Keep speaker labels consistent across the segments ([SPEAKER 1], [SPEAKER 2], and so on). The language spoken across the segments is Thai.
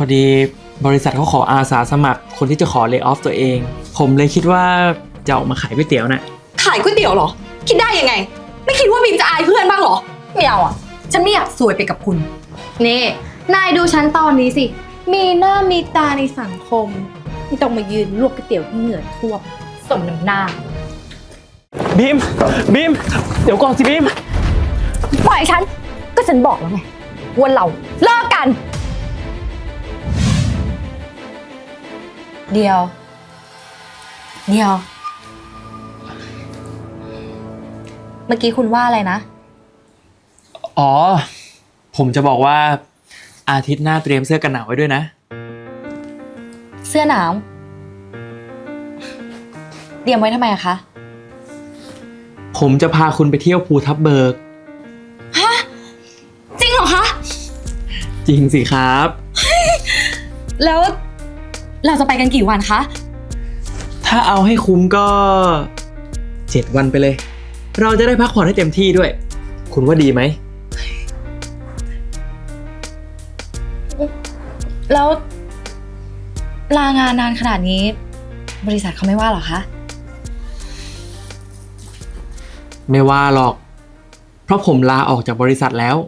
[SPEAKER 1] อดีบริษัทเขาขออาสาสมัครคนที่จะขอเล y off ตัวเอง ผมเลยคิดว่าจะออกมาขายก๋วยเตี๋ยวน่ะ
[SPEAKER 2] ขายก๋วยเตี๋ยวเหรอคิดได้ยังไงไม่คิดว่าบีมจะอายเพื่อนบ้างเหรอไม่เอาอ่ะฉันไม่อยากซวยไปกับคุณ
[SPEAKER 3] นี่นายดูฉันตอนนี้สิมีหน้ามีตาในสังคมไม่ต้องมายืนลวกก๋วยเตี๋ยวที่เหงื่อท่วมสมน้ำหน้า
[SPEAKER 1] บีมเดี๋ยวก่อนสิบีม
[SPEAKER 3] ปล่อยฉันก็ฉันบอกแล้วไงว่าเราเลิกกันเดียวเมื่อกี้คุณว่าอะไรนะ
[SPEAKER 1] อ๋อผมจะบอกว่าอาทิตย์หน้าเตรียมเสื้อกันหนาวไว้ด้วยนะ
[SPEAKER 3] เสื้อหนาวเตรียมไว้ทำไมอะคะ
[SPEAKER 1] ผมจะพาคุณไปเที่ยวภูทับเบิก
[SPEAKER 3] ฮะจริงเหรอคะ
[SPEAKER 1] จริงสิครับ
[SPEAKER 3] แล้วเราจะไปกันกี่วันคะ
[SPEAKER 1] ถ้าเอาให้คุ้มก็7 วันไปเลยเราจะได้พักผ่อนให้เต็มที่ด้วยคุณว่าดีไหม
[SPEAKER 3] แล้วลางานนานขนาดนี้บริษัทเขาไม่ว่าหรอคะ
[SPEAKER 1] ไม่ว่าหรอกเพราะผมลาออกจากบริษัทแล้ว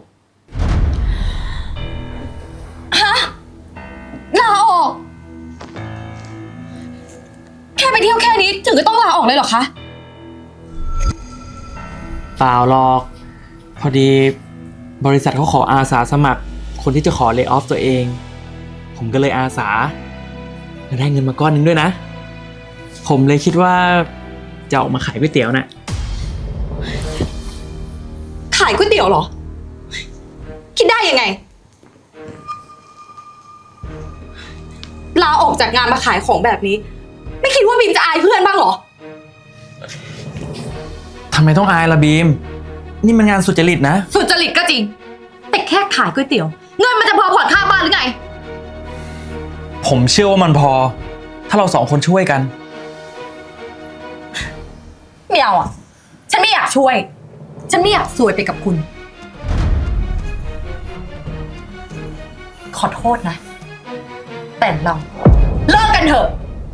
[SPEAKER 3] ฮะลาออกแค่ไปเที่ยวแค่นี้ถึงก็ต้องลาออกเลยเหรอคะ
[SPEAKER 1] เปล่าหรอกพอดีบริษัทเขาขออาสาสมัครคนที่จะขอเล y off ตัวเองผมก็เลยอาสาและได้เงินมาก้อนนึงด้วยนะผมเลยคิดว่าจะออกมาขายก๋วยเตี๋ยวน่ะ
[SPEAKER 2] ขายก๋วยเตี๋ยวเหรอคิดได้ยังไงลาออกจากงานมาขายของแบบนี้ไม่คิดว่าบีมจะอายเพื่อนบ้างเหรอ
[SPEAKER 1] ทำไมต้องอายล่ะบีมนี่มันงานสุจริตนะ
[SPEAKER 2] สุจริตก็จริงแต่แค่ขายก๋วยเตี๋ยวเงินมันจะพอผ่อนค่าบ้านหรือไง
[SPEAKER 1] ผมเชื่อว่ามันพอถ้าเรา2 คนช่วยกัน
[SPEAKER 2] ไม่เอาอ่ะฉันไม่อยากช่วยฉันไม่อยากซวยไปกับคุณขอโทษนะแต่เราเลิกกันเถอะ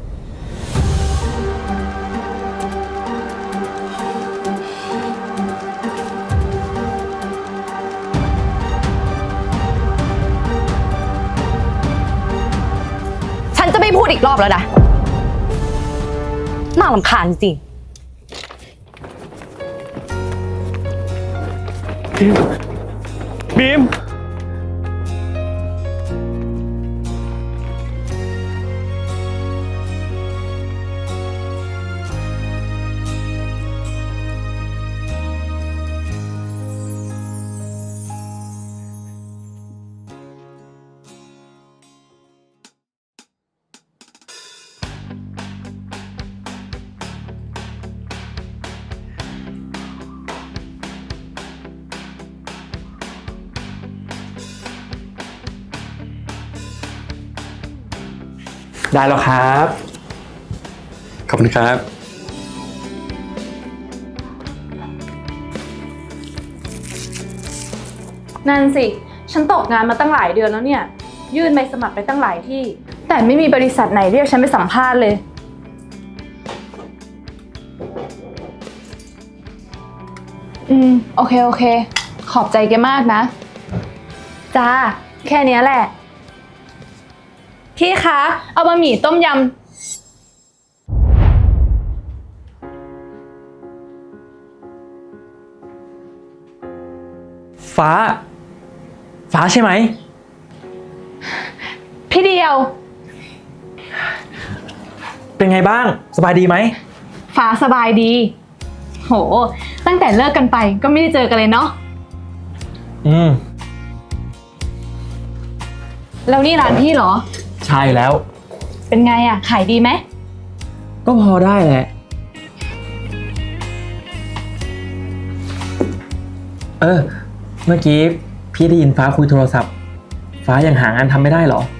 [SPEAKER 2] ฉันจะไม่พูดอีกรอบแล้วนะน่ารำคาญจริง
[SPEAKER 1] บีมได้แล้วครับขอบคุณครับ
[SPEAKER 4] นั่นสิฉันตกงานมาตั้งหลายเดือนแล้วเนี่ยยื่นใบสมัครไปตั้งหลายที่แต่ไม่มีบริษัทไหนเรียกฉันไปสัมภาษณ์เลยโอเคขอบใจแกมากนะจ้าแค่นี้แหละพี่คะเอาบะหมี่ต้มย
[SPEAKER 1] ำฟ้าใช่ไหม
[SPEAKER 4] พี่เดียว
[SPEAKER 1] เป็นไงบ้างสบายดีไหม
[SPEAKER 4] ฟ้าสบายดีโหตั้งแต่เลิกกันไปก็ไม่ได้เจอกันเลยเนาะแล้วนี่ร้านพี่เหรอ
[SPEAKER 1] ใช่แล้ว
[SPEAKER 4] เป็นไงอะขายดีไหม
[SPEAKER 1] ก็พอได้แหละเมื่อกี้พี่ได้ยินฟ้าคุยโทรศัพท์ฟ้ายังหางานทำไม่ได้เหรอ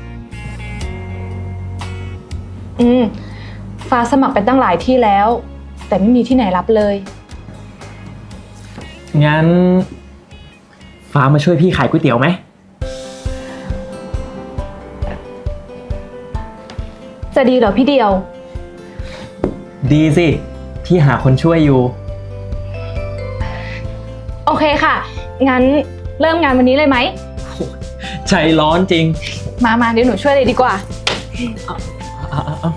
[SPEAKER 4] ฟ้าสมัครไปตั้งหลายที่แล้วแต่ไม่มีที่ไหนรับเลย
[SPEAKER 1] งั้นฟ้ามาช่วยพี่ขายก๋วยเตี๋ยวไหม
[SPEAKER 4] จะดีเหรอพี่เดียว
[SPEAKER 1] ดีสิ ที่หาคนช่วยอยู่
[SPEAKER 4] โอเคค่ะ งั้นเริ่มงานวันนี้เลยไหม
[SPEAKER 1] ใจร้อนจริง
[SPEAKER 4] มาเดี๋ยวหนูช่วยเลยดีกว่า
[SPEAKER 1] เอา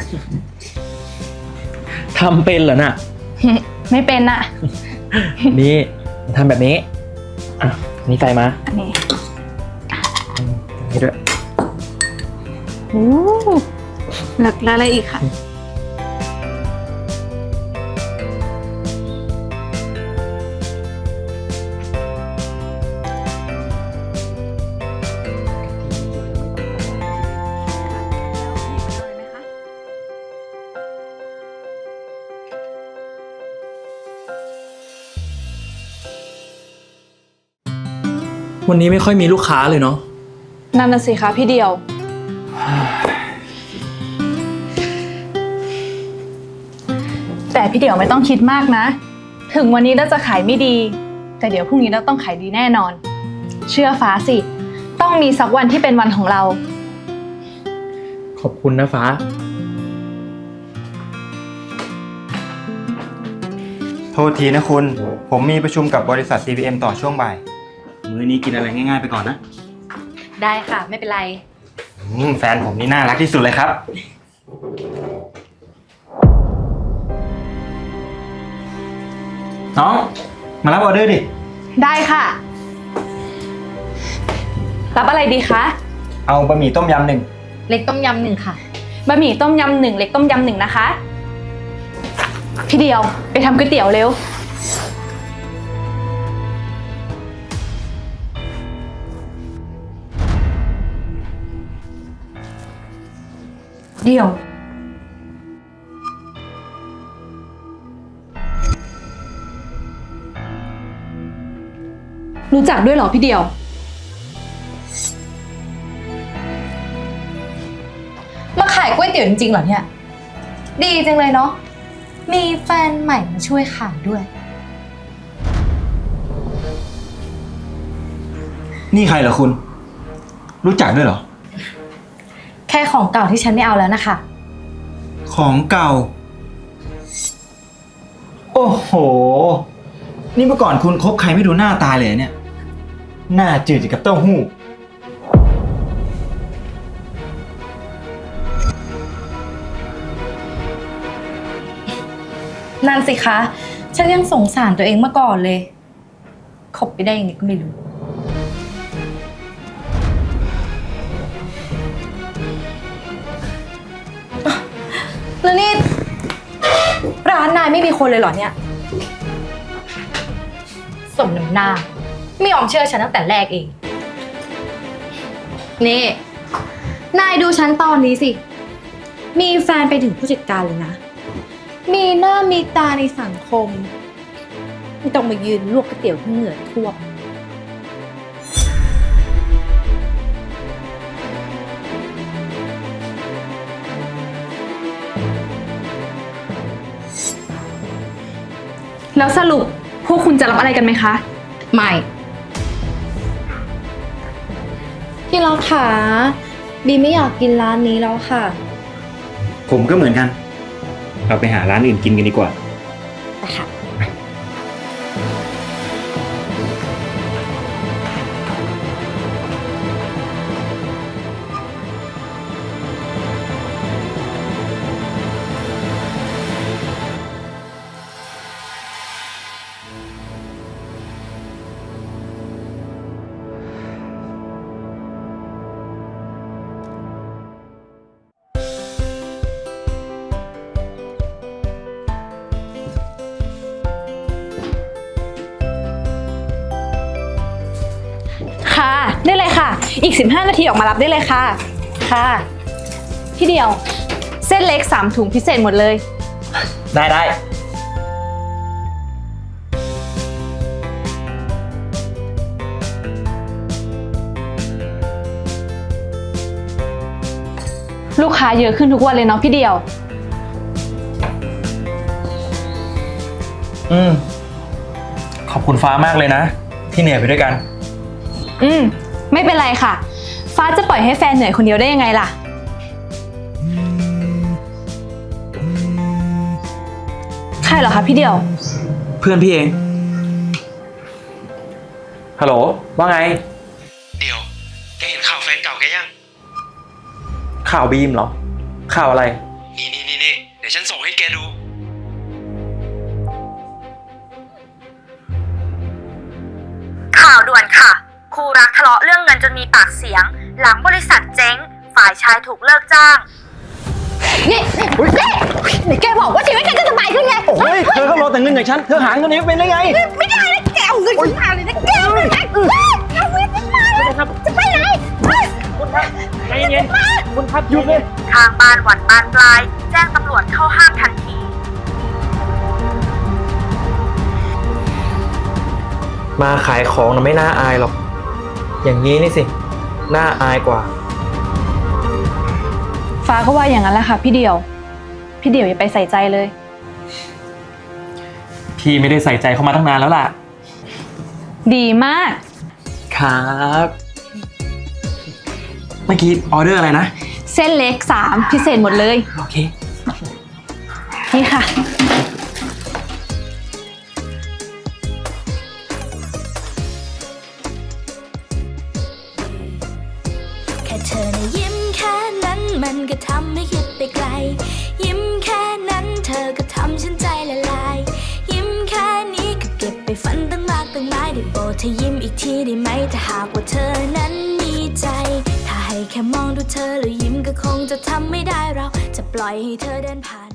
[SPEAKER 1] ทำเป็นเหรอน่ะ
[SPEAKER 4] ไม่เป็นน่ะ
[SPEAKER 1] นี่ทำแบบนี้ อ่ะ นี่ใส่มา
[SPEAKER 4] อันนี้
[SPEAKER 1] นี่ด้วย
[SPEAKER 4] โอ้แล้วอะไรอีกค่ะ
[SPEAKER 1] วันนี้ไม่ค่อยมีลูกค้าเลยเนาะ
[SPEAKER 4] นั่นน่ะสิคะพี่เดียว แต่พี่เดียวไม่ต้องคิดมากนะ ถึงวันนี้เราจะขายไม่ดี แต่เดี๋ยวพรุ่งนี้เราต้องขายดีแน่นอน เชื่อฟ้าสิ ต้องมีสักวันที่เป็นวันของเรา
[SPEAKER 1] ขอบคุณนะฟ้า
[SPEAKER 5] โทษทีนะคุณ ผมมีประชุมกับบริษัท CPM ต่อช่วงบ่าย มื้อนี้กินอะไรง่ายๆไปก่อนนะ
[SPEAKER 2] ได้ค่ะไม่เป็นไร
[SPEAKER 5] แฟนผมนี่น่ารักที่สุดเลยครับ น้อง มารับออเดอร์ดิ
[SPEAKER 4] ได้ค่ะ รับอะไรดีคะ
[SPEAKER 5] เอาบะหมี่ต้มยำหนึ่ง
[SPEAKER 2] เล็กต้มยำหนึ่งค่ะ
[SPEAKER 4] บะหมี่ต้มยำหนึ่งเล็กต้มยำหนึ่งนะคะ พี่เดียวไปทำก๋วยเตี๋ยวเร็ว
[SPEAKER 2] เดี๋ยว
[SPEAKER 4] รู้จักด้วยเหรอพี่เดียว
[SPEAKER 2] มาขายก๋วยเตี๋ยวจริงๆเหรอเนี่ย ดีจังเลยเนาะ มีแฟนใหม่มาช่วยขายด้วย
[SPEAKER 5] นี่ใครเหรอคุณ รู้จักด้วยเหรอ
[SPEAKER 2] แค่ของเก่าที่ฉันไม่เอาแล้วนะคะ
[SPEAKER 5] ของเก่า โอ้โห นี่เมื่อก่อนคุณคบใครไม่ดูหน้าตาเลยเนี่ย หน้าจืดกับเต้าหู้
[SPEAKER 2] นั่นสิคะ ฉันยังสงสารตัวเองมาก่อนเลย คบไปได้ยังไงก็ไม่รู้ แล้วนี่ ร้านนายไม่มีคนเลยเหรอเนี่ย สมน้ำหน้า ไม่ยอมเชื่อฉันตั้งแต่แรกเอง
[SPEAKER 3] นี่ นายดูฉันตอนนี้สิ มีแฟนไปถึงผู้จัดการเลยนะ มีหน้ามีตาในสังคม ไม่ต้องมายืนลวกก๋วยเตี๋ยวที่เหงื่อท่วม
[SPEAKER 4] แล้วสรุปพวกคุณจะรับอะไรกันไหมคะ
[SPEAKER 2] ไม่
[SPEAKER 3] พี่รักขาบีไม่อยากกินร้านนี้แล้วค่ะ
[SPEAKER 5] ผมก็เหมือนกัน เราไปหาร้านอื่นกินกันดีกว่า
[SPEAKER 3] นะคะ
[SPEAKER 4] ค่ะ ได้เลยค่ะ อีก 15 นาทีออกมารับได้เลยค่ะ ค่ะ พี่เดียว เส้นเล็ก 3 ถุงพิเศษหมดเลย
[SPEAKER 1] ได้
[SPEAKER 4] ลูกค้าเยอะขึ้นทุกวันเลยเนาะพี่เดียว
[SPEAKER 1] ขอบคุณฟ้ามากเลยนะ ที่เหนื่อยไปด้วยกัน
[SPEAKER 4] ไม่เป็นไรค่ะ ฟ้าจะปล่อยให้แฟนเหนื่อยคนเดียวได้ยังไงล่ะใครเหรอคะพี่เดี่ยว
[SPEAKER 1] เพื่อนพี่เอง ฮัลโหล ว่าไง เดี๋ยว แกเห็นข่าวแฟนเก่าแกยัง ข่าวบีมเหรอ ข่าวอะไร นี่ เดี๋ยวฉันส่งให้แกดู
[SPEAKER 6] ข่าวด่วนค่ะ คู่รักทะเลาะเรื่องเงินจนมีปากเสียง หลังบริษัทเจ๊ง ฝ่ายชายถูกเลิกจ้าง
[SPEAKER 3] นี่แกบอกว่าชีวิตแกจะสบายขึ้นไง
[SPEAKER 1] โอ้ย เธอก็รอแต่เงินจากฉัน เธอหาเงินนี้เป็นได้ไง
[SPEAKER 3] ไม่ได้นะแกเอาเงินฉันมาเลยนะแกเอาเงินฉันมาเลยจะไปไหน
[SPEAKER 1] ใจเย็นคุณครับหยุดเลย
[SPEAKER 6] ทางบ้านหวั่นบานปลาย แจ้งตำรวจเข้าห้ามทันที
[SPEAKER 1] มาขายของนะไม่น่าอายหรอก อย่างนี้นี่สิ น่าอายกว่า
[SPEAKER 4] ฟ้าก็ว่าอย่างนั้นแหละค่ะพี่เดี่ยว พี่เดี่ยวอย่าไปใส่ใจเลย
[SPEAKER 1] พี่ไม่ได้ใส่ใจเข้ามาตั้งนานแล้วล่ะ
[SPEAKER 4] ดีมาก
[SPEAKER 1] ครับ เมื่อกี้ออเดอร์อะไรนะ
[SPEAKER 4] เส้นเล็ก3พิเศษหมดเลย
[SPEAKER 1] โอเค
[SPEAKER 4] นี่ค่ะ
[SPEAKER 7] แค่เธอนะยิ้มแค่นั้นมันก็ทำให้คิดไปไกล ยิ้มแค่นั้นเธอก็ทำฉันใจละลาย ยิ้มแค่นี้ก็เก็บไปฝันตั้งมากตั้งหลายได้โปรดเธอยิ้มอีกทีได้ไหมถ้าหากว่าเธอนั้นมีใจ ถ้าให้แค่มองดูเธอแล้วยิ้มก็คงจะทำไม่ได้เราจะปล่อยให้เธอเดินผ่าน